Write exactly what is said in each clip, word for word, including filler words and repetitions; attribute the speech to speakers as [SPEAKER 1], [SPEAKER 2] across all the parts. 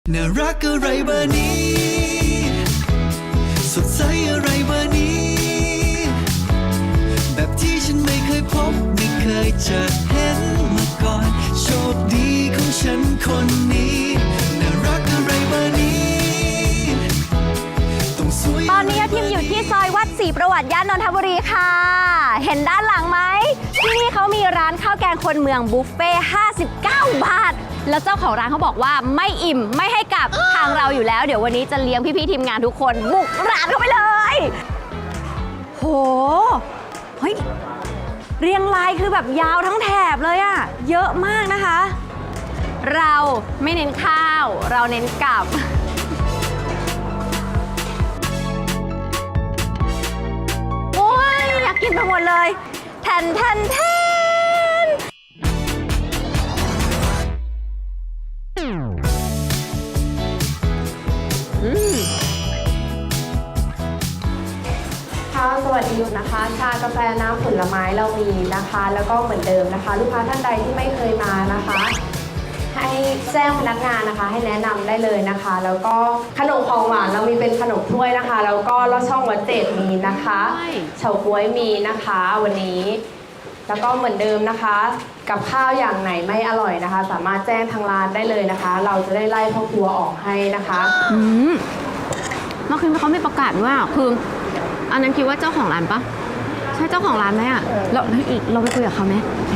[SPEAKER 1] น่ารักอะไรเบอร์นี้สดใสอะไรเบอร์นี้แบบที่ฉันไม่เคยพบไม่เคยจะเห็นมาก่อนโชคดีของฉันคนนี้น่ารักอะไรเบอร์นี้ต้องสวยตอนนี้ทีมอยู่ที่ซอยวัดศรีประวัติย่านนทบุรีค่ะเห็นด้านหลังไหมที่นี่เขามีร้านข้าวแกงคนเมืองบุฟเฟ่ห้าสิบเก้าบาทแล้วเจ้าของร้านเขาบอกว่าไม่อิ่มไม่ให้กลับทางเราอยู่แล้วเดี๋ยววันนี้จะเลี้ยงพี่ๆทีมงานทุกคนบุกร้านเข้าไปเลยโหเฮ้ยเรียงรายคือแบบยาวทั้งแถบเลยอะเยอะมากนะคะเราไม่เน้นข้าวเราเน้นกลับโอ้ยอยากกินไปหมดเลยแทนแทนแทน
[SPEAKER 2] ค่ะสวัสดีนะคะชากาแฟน้ำผลไม้เรามีนะคะแล้วก็เหมือนเดิมนะคะลูกค้าท่านใดที่ไม่เคยมานะคะให้แจ้งพนักงานนะคะให้แนะนำได้เลยนะคะแล้วก็ขนมของหวานเรามีเป็นขนมถ้วยนะคะแล้วก็ลอดช่องวัดเจดมีนะคะเฉาก๊วยมีนะคะวันนี้แล้วก็เหมือนเดิมนะคะกับข้าวอย่างไหนไม่อร่อยนะคะสามารถแจ้งทางร้านได้เลยนะคะเราจะได้ไล่พ่อครัวออกให้นะคะ
[SPEAKER 3] อืมเมื่อคืนเขาไม่ประกาศว่าคืออันนั้นคิดว่าเจ้าของร้านปะใช่เจ้าของร้านไหมอ่ะเราอีกเราไปคุยกับเขาไหม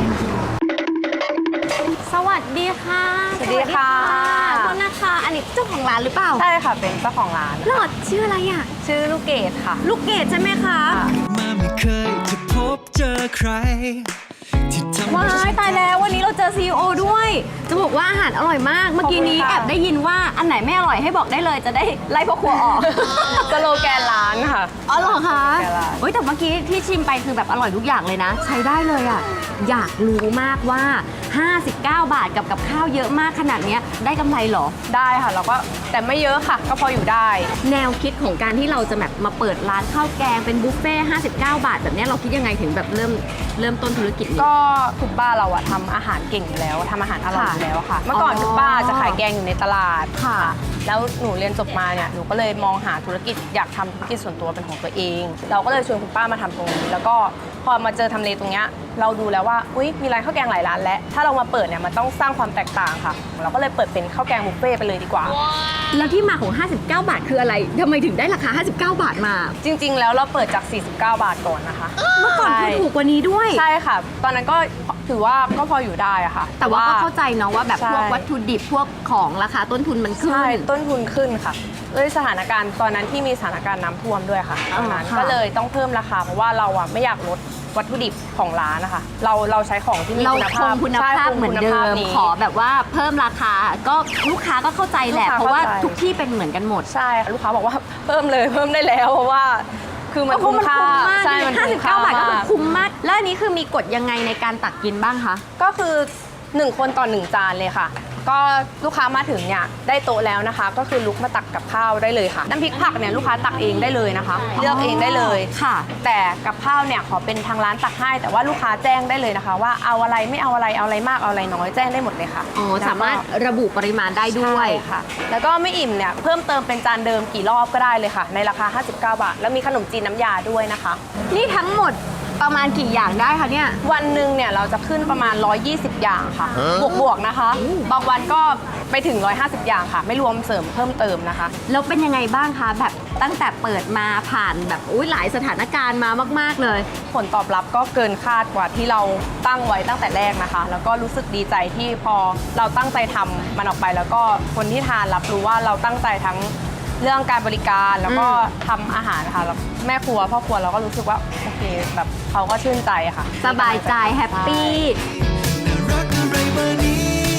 [SPEAKER 3] สวัสดีค่ะ
[SPEAKER 2] สวัสดีค่ะ
[SPEAKER 3] โทษนะคะอันนี้เจ้าของร้านหรือเปล่า
[SPEAKER 2] ใช่ค่ะเป็นเจ้าของร้าน
[SPEAKER 3] หลอดชื่ออะไรอ่ะ
[SPEAKER 2] ชื่อลูกเกดค่ะ
[SPEAKER 3] ลูกเกดใช่ไหมคะ
[SPEAKER 1] มาไม่เคยจะพบเจอใครที่ทำ
[SPEAKER 3] ว้ายตายแล้ววันนี้เราเจอ ซี อี โอ ด้วย จะบอกว่าอาหารอร่อยมากเมื่อกี้นี้แอบได้ยินว่าอันไหนไม่อร่อยให้บอกได้เลยจะได้ไล่พ่อครัวออก
[SPEAKER 2] สโลแกนร้านค่ะ
[SPEAKER 3] อ๋อเหรอคะ
[SPEAKER 2] แกละ
[SPEAKER 3] เฮ้ยแต่เมื่อกี้ที่ชิมไปคือแบบอร่อยทุกอย่างเลยนะ ใช้ได้เลยอ่ะอยากรู้มากว่าห้าสิบเก้าบาทกับกับข้าวเยอะมากขนาดนี้ได้กำไรเหรอ
[SPEAKER 2] ได้ค่ะเราก็แต่ไม่เยอะค่ะก็พออยู่ได้
[SPEAKER 3] แนวคิดของการที่เราจะแบบมาเปิดร้านข้าวแกงเป็นบุฟเฟ่ห้าสิบเก้าบาทแบบนี้เราคิดยังไงถึงแบบเริ่มเริ่มต้นธุรกิจนี้
[SPEAKER 2] ก็คุณป้าเราอะทำอาหารเก่งอยู่แล้วทำอาหารอร่อยอยู่แล้วค่ะเมื่อก่อน
[SPEAKER 3] อ๋อ
[SPEAKER 2] คุณป้าจะขายแกงอยู่ในตลาด
[SPEAKER 3] ค่ะ
[SPEAKER 2] แล้วหนูเรียนจบมาเนี่ยหนูก็เลยมองหาธุรกิจอยากทำธุรกิจส่วนตัวเป็นของตัวเอง เราก็เลยชวนคุณป้ามาทำตรงนี้แล้วก็พอมาเจอทำเลตรงเนี้ยเราดูแล้วว่าอุ้ยมีร้านข้าวแกงหลายร้านแล้วถ้าเรามาเปิดเนี่ยมันต้องสร้างความแตกต่างค่ะเราก็เลยเปิดเป็นข้าวแกงบุฟเฟ่ต์ไปเลยดีกว่า
[SPEAKER 3] แล้วที่มาของห้าสิบเก้าบาทคืออะไรทำไมถึงได้ราคาห้าสิบเก้าบาทมา
[SPEAKER 2] จริงๆ แล้วเราเปิดจากสี่สิบเก้าบาทก่อนนะคะ
[SPEAKER 3] เมื่อก่อนคือถูกกว่านี้ด้วย
[SPEAKER 2] ใช่ค่ะ ตอนนั้นก็ถือว่าก็พออยู่ได้อะค่ะ
[SPEAKER 3] แต่ว่าก็เข้าใจเนาะว่าแบบ
[SPEAKER 2] ใช่
[SPEAKER 3] พวกวัตถุดิบพวกของราคาต้นทุนมันขึ้น
[SPEAKER 2] ใช่ต้นทุนขึ้นค่ะด้วยสถานการณ์ตอนนั้นที่มีสถานการณ์น้ำท่วมด้วยค่ะตอนนั้น
[SPEAKER 3] อ๋อค่ะ
[SPEAKER 2] ก็เลยต้องเพิ่มราคาเพราะว่าเราอะไม่อยากลดวัตถุดิบของร้านนะคะเราเราใช้ของที่มี
[SPEAKER 3] เรา
[SPEAKER 2] คุณ
[SPEAKER 3] ค
[SPEAKER 2] ภาพ
[SPEAKER 3] งคุณภา
[SPEAKER 2] ใช่
[SPEAKER 3] พ
[SPEAKER 2] คง
[SPEAKER 3] เหมือน
[SPEAKER 2] คุณ
[SPEAKER 3] เดิ
[SPEAKER 2] ภาพ
[SPEAKER 3] ม
[SPEAKER 2] นี้
[SPEAKER 3] ขอแบบว่าเพิ่มราคาก็ลูกค้าก็เข้าใจแหละ
[SPEAKER 2] ลูกค้า
[SPEAKER 3] เพราะว่า
[SPEAKER 2] เข้าใจ
[SPEAKER 3] ทุกที่เป็นเหมือนกันหมด
[SPEAKER 2] ใช่ลูกค้าบอกว่าเพิ่มเลยเพิ่มได้แล้วเพราะว่าคือมัน
[SPEAKER 3] ก็เพ
[SPEAKER 2] คุ้
[SPEAKER 3] ราะ
[SPEAKER 2] ม
[SPEAKER 3] มัน
[SPEAKER 2] ค่า
[SPEAKER 3] คุ้มมาก
[SPEAKER 2] ใช่มัน
[SPEAKER 3] ห้าสิ
[SPEAKER 2] คุ้
[SPEAKER 3] บ
[SPEAKER 2] ม
[SPEAKER 3] เก้า
[SPEAKER 2] ค่า
[SPEAKER 3] บาทก็คือ
[SPEAKER 2] มาก
[SPEAKER 3] คุ้มมากแล้วอันนี้คือมีกฎยังไงในการตักกินบ้างคะ
[SPEAKER 2] ก็คือหนึ่งคนต่อหนึ่งจานเลยค่ะก็ลูกค้ามาถึงเนี่ยได้โต๊ะแล้วนะคะ ก็คือลุกมาตักกับข้าวได้เลยค่ะน้ำพริกผักเนี่ยลูกค้าตักเองได้เลยนะคะ เลือกเองได้เลย
[SPEAKER 3] ค่ะ
[SPEAKER 2] แต่กับข้าวเนี่ยขอเป็นทางร้านตักให้แต่ว่าลูกค้าแจ้งได้เลยนะคะ ว่าเอาอะไรไม่เอาอะไรเอาอะไรมากเอาอะไรน้อยแจ้งได้หมดเลยค่ะ
[SPEAKER 3] อ๋อสามารถระบุปริมาณได้ด้วย
[SPEAKER 2] ใช่ค่ะ แล้วก็ไม่อิ่มเนี่ยเพิ่มเติมเป็นจานเดิมกี่รอบก็ได้เลยค่ะ ในราคาห้าสิบเก้าบาทแล้วมีขนมจีนน้ำยาด้วยนะคะ
[SPEAKER 3] นี่ทั้งหมดประมาณกี่อย่างได้คะเนี่ย
[SPEAKER 2] วันหนึ่งเนี่ยเราจะขึ้นประมาณหนึ่งร้อยยี่สิบอย่างค่ะบวกๆนะคะบางวันก็ไปถึงหนึ่งร้อยห้าสิบอย่างค่ะไม่รวมเสริมเพิ่มเติมนะคะ
[SPEAKER 3] แล้วเป็นยังไงบ้างคะแบบตั้งแต่เปิดมาผ่านแบบอุ้ยหลายสถานการณ์มามากๆเลย
[SPEAKER 2] ผลตอบรับก็เกินคาดกว่าที่เราตั้งไว้ตั้งแต่แรกนะคะ แล้วก็รู้สึกดีใจที่พอเราตั้งใจทำมันออกไปแล้วก็คนที่ทานรับรู้ว่าเราตั้งใจทั้งเรื่องการบริการแล้วก็ทำอาหารค่ะแล้วแม่ครัวพ่อครัวเราก็รู้สึกว่าโอเคแบบเขาก็ชื่นใจค่ะ
[SPEAKER 3] สบายใจแฮปปี้
[SPEAKER 1] น่ารักอะไรเบอร์นี้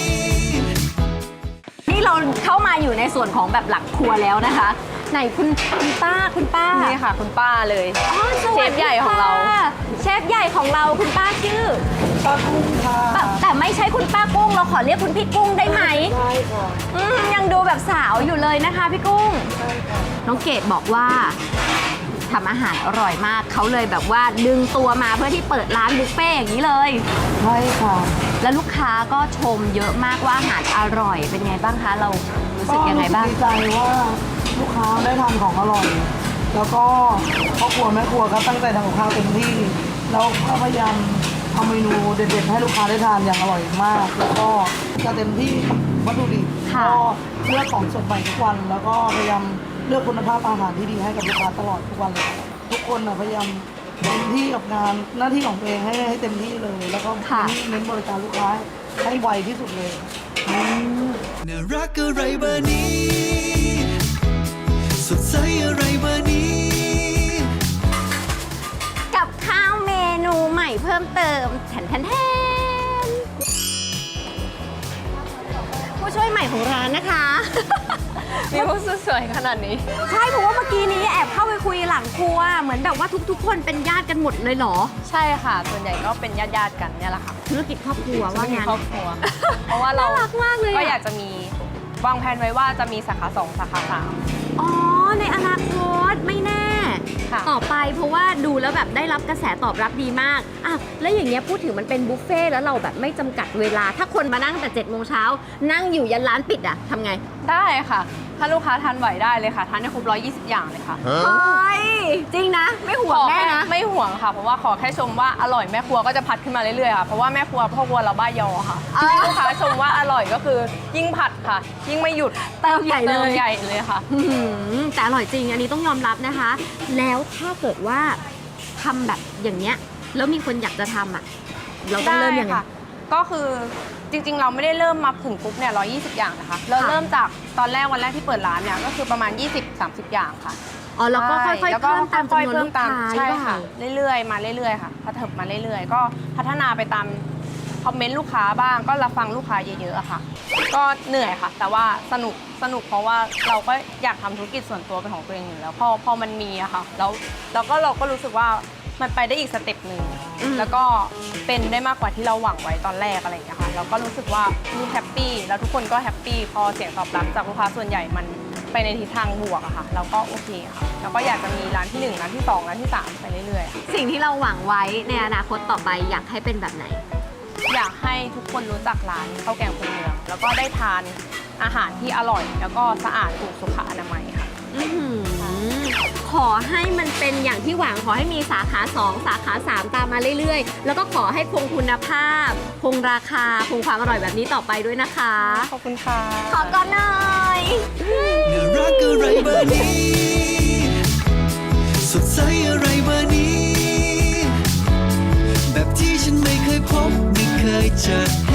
[SPEAKER 3] นี่เราเข้ามาอยู่ในส่วนของแบบหลักครัวแล้วนะคะ ไหนคุณคุณป้าคุณป้า
[SPEAKER 2] นี่ค่ะคุณป้าเลย
[SPEAKER 3] อ๋อสวัสดี
[SPEAKER 2] เชฟใหญ่ของเรา
[SPEAKER 3] ค่ะเชฟใหญ่ของเราคุณป้าชื่อ
[SPEAKER 2] ป้ากุ้งค่ะ
[SPEAKER 3] แต่แต่ไม่ใช่คุณป้ากุ้งเราขอเรียกคุณพี่กุ้งได้ไหมใช่ค่ะยังดูแบบสาวอยู่เลยนะคะพี่กุ้งใช่ค่ะน้องเกดบอกว่าทำอาหารอร่อยมากเขาเลยแบบว่าดึงตัวมาเพื่อที่เปิดร้านบุฟเฟ่ต์อย่างนี้เลยใช่ค่ะแล้วลูกค้าก็ชมเยอะมากว่าอาหารอร่อยเป็นไงบ้างคะเรารู้
[SPEAKER 1] รู้สึกยังไงบ้าง
[SPEAKER 4] ก็รู้สึกดีใจว่าลูกค้าได้ทานของอร่อย แล้วก็ครอบครัวแม่ครัวก็ตั้งใจทำกับข้าวเต็มที่ แล้วก็พยายามทำเมนูเด็ดๆให้ลูกค้าได้ทานอย่างอร่อยมาก แล้วก็จะเต็มที่วัตถุดิบ
[SPEAKER 1] ค่ะ
[SPEAKER 4] ก็เลือกของสดใหม่ทุกวัน แล้วก็พยายามเลือกคุณภาพอาหารที่ดีให้กับลูกค้าตลอดทุกวันเลยทุกคนนะพยายามเต็มที่กับงานหน้าที่ของตัวเองให้ให้เต็มที่เลย แล้วก็
[SPEAKER 1] ค่ะ
[SPEAKER 4] เน้นบริการลูกค้าให้ไวที่สุดเลย
[SPEAKER 5] น่ารักอะไรเบอร์นี้ สดใสอะไรเบอร์นี้
[SPEAKER 1] กับข้าวเมนูใหม่เพิ่มเติมแทนแทนแทนผู้ช่วยใหม่ของร้านนะคะ
[SPEAKER 2] มีผู้สวยขนาดนี้
[SPEAKER 1] ใช่เพราะว่าเมื่อกี้นี้แอบเข้าไปคุยหลังครัว เหมือนแบบว่าทุกๆ คนเป็นญาติกันหมดเลยเหรอ
[SPEAKER 2] ใช่ค่ะ ส่วนใหญ่ก็เป็นญาติๆกันเนี่ยแหละค่ะ
[SPEAKER 1] ธุรกิจครอบครัวว่า
[SPEAKER 2] มี
[SPEAKER 1] งั้น
[SPEAKER 2] ครอบครัว เพราะว่าเรา
[SPEAKER 1] น่ารักมากเลยอะ
[SPEAKER 2] ก็อยากจะมีวางแผนไว้ว่าจะมีสาขาสองสาขาสาม
[SPEAKER 1] อ๋อ ในอนาคตไม่แน่
[SPEAKER 2] ค่ะ
[SPEAKER 1] ต่อไปเพราะว่าดูแล้วแบบได้รับกระแสตอบรับดีมากอ่ะแล้วอย่างเงี้ยพูดถึงมันเป็นบุฟเฟ่ต์แล้วเราแบบไม่จำกัดเวลา ถ้าคนมานั่งแต่เจ็ดโมงเช้านั่งอยู่ยันร้านปิดอะทำไง
[SPEAKER 2] ได้ค่ะ ถ้าลูกค้าทานไหวได้เลยค่ะ ทานได้ครบร้อยยี่สิบอย่างเลยค่ะ
[SPEAKER 1] เฮ้ยจริงนะ ไม่ห่วงแน่นะ
[SPEAKER 2] ไม่ห่วงค่ะ เพราะว่าขอแค่ชมว่าอร่อยแม่ครัวก็จะพัดขึ้นมาเรื่อยๆค่ะ เพราะว่าแม่ครัวพ่อครัวเราบ้ายอค่ะ
[SPEAKER 1] อ่า
[SPEAKER 2] ให้ลูกค้าชมว่าอร่อยก็คือยิ่งผัดค่ะ ยิ่งไม่หยุด
[SPEAKER 1] เติมใหญ่เล
[SPEAKER 2] เติม
[SPEAKER 1] ย
[SPEAKER 2] ใหญ่เลยค่ะ
[SPEAKER 1] อื้อหือแต่อร่อยจริงอันนี้ต้องยอมรับนะคะ แล้วถ้าเกิดว่าทำแบบอย่างเนี้ยแล้วมีคนอยากจะทำอ่ะ เราต้องเริ่มยังไง
[SPEAKER 2] ได้ค่ะ ก็คือจริงๆ เราไม่ได้เริ่มมาถึงปุ๊บเนี่ยร้อยยี่สิบอย่างนะคะ เรา
[SPEAKER 1] ค่ะ
[SPEAKER 2] เริ่มจากตอนแรกวันแรกที่เปิดร้านเนี่ยก็คือประมาณ ยี่สิบสามสิบ อย่างค่ะ
[SPEAKER 1] อ๋อแล้วก็ค่อย
[SPEAKER 2] ใช่
[SPEAKER 1] ๆ
[SPEAKER 2] แล้วก็
[SPEAKER 1] เพิ่มตาม
[SPEAKER 2] ค่อย
[SPEAKER 1] จำนวน
[SPEAKER 2] ๆเพิ่
[SPEAKER 1] ลู
[SPEAKER 2] ม
[SPEAKER 1] ก
[SPEAKER 2] ตาม
[SPEAKER 1] ค้า
[SPEAKER 2] ใช่
[SPEAKER 1] หรือเป
[SPEAKER 2] ค่ะ
[SPEAKER 1] ล่า
[SPEAKER 2] เรื่อยๆ มาเรื่อยๆ ค่ะพัฒนามาเรื่อยๆ ก็พัฒนาไปตามคอมเมนต์ลูกค้าบ้าง ก็รับฟังลูกค้าเยอะๆอะค่ะ ก็เหนื่อยค่ะ แต่ว่าสนุกสนุกเพราะว่าเราก็อยากทำธุรกิจส่วนตัวเป็นของตัวเองอยู่แล้วพอพอมันมีอะค่ะแล้วแล้วก็เราก็รู้สึกว่ามันไปได้อีกสเต็ปหนึ่ง
[SPEAKER 1] อืม
[SPEAKER 2] แล้วก็เป็นได้มากกว่าที่เราหวังไว้ตอนแรกอะไรอย่างเงี้ยค่ะเราก็รู้สึกว่านี่แฮปปี้แล้วทุกคนก็แฮปปี้พอเสียงตอบรับจากลูกค้าส่วนใหญ่มันไปในทิศทางบวกอะค่ะเราก็โอเคค่ะแล้วก็อยากจะมีร้านที่หนึ่งร้านที่สองร้านที่สามไปเรื่อยๆค่ะ
[SPEAKER 1] สิ่งที่เราหวังไว้ในอนาคตต่อไปอยากให้เป็นแบบไหน
[SPEAKER 2] อยากให้ทุกคนรู้จักร้านข้าวแกงคนเมืองแล้วก็ได้ทานอาหารที่อร่อย แล้วก็สะอาดถูกสุขอนามัยค่ะ
[SPEAKER 1] อื้อหือขอให้มันเป็นอย่างที่หวังขอให้มีสาขาสองสาขาสามตามมาเรื่อยๆ แล้วก็ขอให้คงคุณภาพ คงราคา คงความอร่อยแบบนี้ต่อไปด้วยนะคะ
[SPEAKER 2] ขอบคุณค่ะ
[SPEAKER 1] ขอก่อนหน่อย
[SPEAKER 5] น่ารักอะไรเบอร์นี้ สดใสอะไรเบอร์นี้ แบบที่ฉันไม่เคยพบไม่เคยเจอ